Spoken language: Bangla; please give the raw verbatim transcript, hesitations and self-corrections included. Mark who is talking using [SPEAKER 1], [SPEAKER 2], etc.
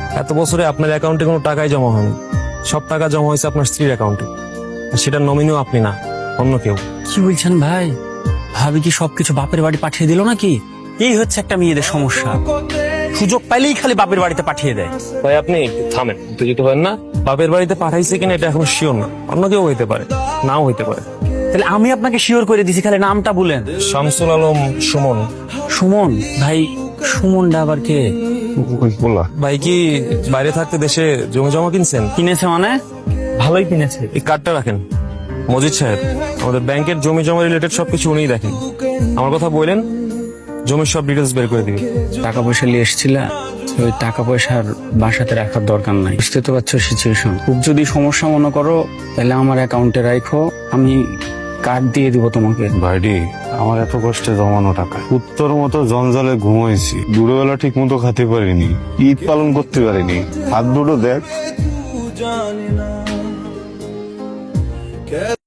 [SPEAKER 1] এত বছরে আপনার অ্যাকাউন্টে কোনো টাকাই জমা হয়নি, সব টাকা জমা হয়েছে আপনার স্ত্রীর অ্যাকাউন্টে। সেটা নমিনিও আপনি না, অন্য কেউ।
[SPEAKER 2] কি বলছেন ভাই? ভাবি কি সবকিছু বাপের বাড়ি পাঠিয়ে দিল নাকি? এই হচ্ছে একটা মেয়েদের সমস্যা, সুযোগ পাইলেই খালি বাপের বাড়িতে পাঠিয়ে দেয়।
[SPEAKER 1] ভাই আপনি একটু থামেন, উত্তেজিত হবেন না। বাপের বাড়িতে পাঠাইছে কিনা এটা এখন শিওর না, অন্য কেউ হইতে পারে, নাও হইতে পারে।
[SPEAKER 2] তাহলে আমি আপনাকে শিওর করে দিছি, খালি নামটা বলেন।
[SPEAKER 1] শামসুল আলম সুমন।
[SPEAKER 2] সুমন? ভাই সুমনটা আবার কে?
[SPEAKER 1] ভাই কি বাইরে থাকতে দেশে জমি জমা কিনছেন?
[SPEAKER 2] কিনেছে মানে? ভালোই কিনেছে।
[SPEAKER 1] এই কার্ডটা রাখেন। মজিদ সাহেব, আমাদের ব্যাংকের জমি জমা রিলেটেড সবকিছু উনিই দেখেন। আমার কথা বললেন, জমির সব ডিটেলস বের করে দিবি।
[SPEAKER 2] টাকা পয়সা নিয়ে এসেছিলা, ওই টাকা পয়সার বাসাতে রাখার দরকার নাই। বুঝতে তো পারছো সিচুয়েশন। খুব যদি সমস্যা মনে করো তাহলে আমার অ্যাকাউন্টে রাখো, আমি কার্ড দিয়ে দিব তোমাকে।
[SPEAKER 3] ভাইডি, আমার এত কষ্টে জমানো টাকা, উত্তর মতো জঞ্জালে ঘুমাইছি, দুপুরবেলা ঠিক মতো খেতে পারিনি, ঈদ পালন করতে পারিনি। হাত দুটো দেখ।